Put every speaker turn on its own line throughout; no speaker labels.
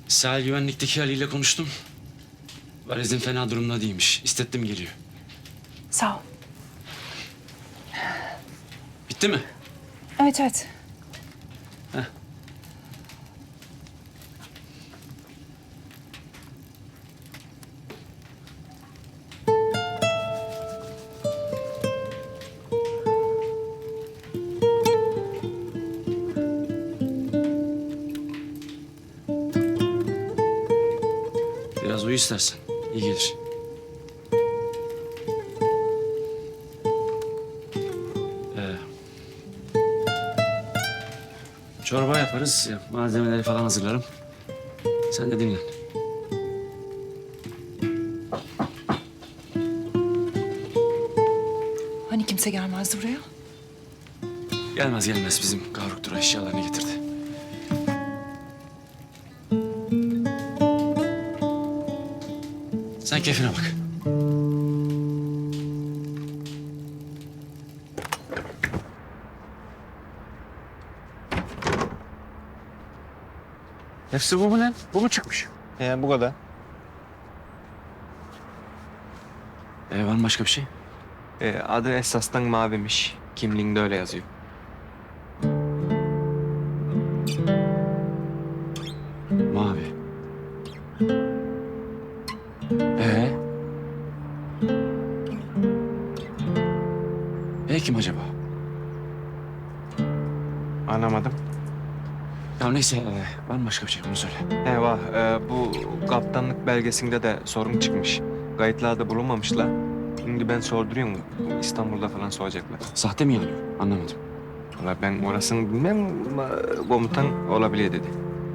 Sahil güvenlikteki Ali ile konuştum. Valizin fena durumda değilmiş. İstettim geliyor.
Sağ ol.
Bitti mi?
Evet, evet.
Heh. Biraz uyu istersen. İyi gelir. Çorba yaparız. Malzemeleri falan hazırlarım. Sen de dinlen.
Hani kimse gelmezdi buraya?
Gelmez gelmez bizim Gavruk Tura eşyalarını getirdi. Sen keyfine bak. Hepsi bu mu lan? Bu mu çıkmış?
Bu kadar.
Var mı başka bir şey?
Adı esasdan Mavi'miş. Kimliğinde öyle yazıyor.
Mavi. Ee? Kim acaba?
Anlamadım.
Ya neyse, var mı başka bir şey? Bunu söyle.
Var. Bu kaptanlık belgesinde de sorun çıkmış. Kayıtlarda bulunmamışlar. Şimdi ben sorduruyorum. Bu İstanbul'da falan soracaklar.
Sahte mi yanıyor? Anlamadım.
Valla ben orasını bilmem ama komutan olabilir dedi.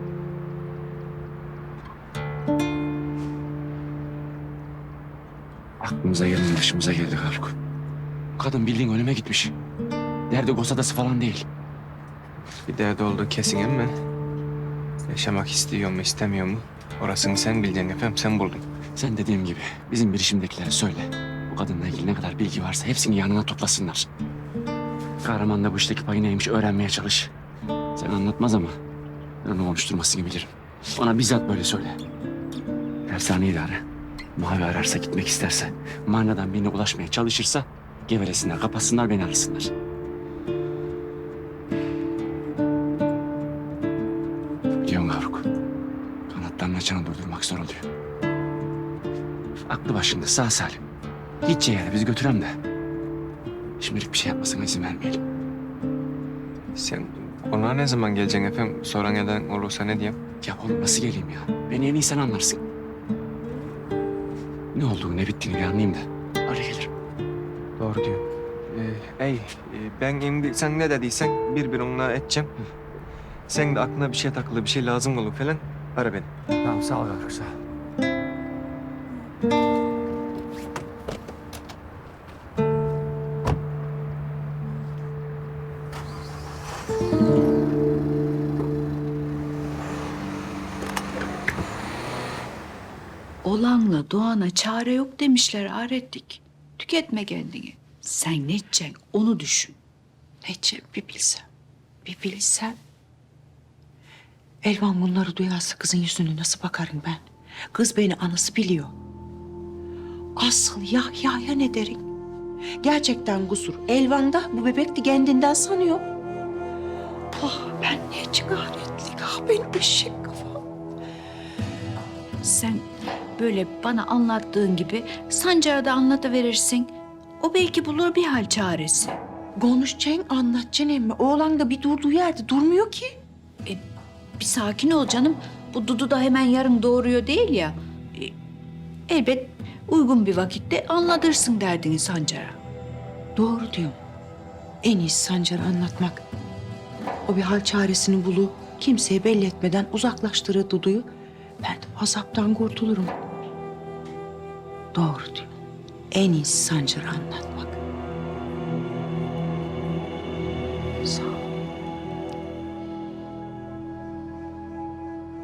Aklımıza geldi, başımıza geldi Gavruk. Kadın bildiğin ölüme gitmiş. Derdi Gosadası falan değil.
Bir derdi olduğu kesin ama yaşamak istiyor mu istemiyor mu? Orasını sen bileceksin efendim, sen buldun.
Sen dediğim gibi bizim bilişimdekilere söyle. Bu kadınla ilgili ne kadar bilgi varsa hepsini yanına toplasınlar. Kahraman da bu işteki payı neymiş öğrenmeye çalış. Sen anlatmaz ama ben onu konuşturmasını bilirim. Ona bizzat böyle söyle. Tersaneyi de ara. Mavi ararsa, gitmek isterse, manadan birine ulaşmaya çalışırsa gevelesinler, kapatsınlar, beni arasınlar. Biliyorsun Gavruk, kanatlarının açanı durdurmak zor oluyor. Aklı başında, sağ salim. Gideceği yere bizi götürem de. Şimdilik bir şey yapmasına izin vermeyelim.
Sen konağa ne zaman geleceksin efendim? Soran eden olursa ne diyeyim?
Ya oğlum nasıl geleyim ya? Beni en iyi sen anlarsın. Ne olduğunu, ne bittiğini bir anlayayım da öyle gelirim.
Doğru diyor. Ben şimdi sen ne dediysen bir onunla edeceğim. Sen de aklına bir şey takılı, bir şey lazım olur falan ara beni.
Tamam, sağ ol Gavruk, sağ ol.
Olanla doğana çare yok demişler Arettik. Tüketme kendini. Sen ne edeceksin onu düşün.
Nece bir bilsem, bir bilsem. Elvan bunları duyarsa kızın yüzüne nasıl bakarım ben? Kız beni anası biliyor. Asıl Yahya'ya ne derim? Gerçekten kusur. Elvan da bu bebek de kendinden sanıyor. Ah ben ne çıkaretlik, ah benim eşek kafam.
Sen böyle bana anlattığın gibi Sancar'a da anlatıverirsin. O belki bulur bir hal çaresi.
Konuşacaksın, anlatacaksın emmi. Oğlan da bir durduğu yerde durmuyor ki.
Bir sakin ol canım. Bu Dudu da hemen yarın doğuruyor değil ya. Elbet uygun bir vakitte anlatırsın derdini Sancar'a.
Doğru diyorum. En iyisi Sancar'a anlatmak. O bir hal çaresini bulup kimseye belli etmeden uzaklaştırır Dudu'yu. Ben de azaptan kurtulurum. Doğru diyor. En iyisi Sancar'a anlatmak.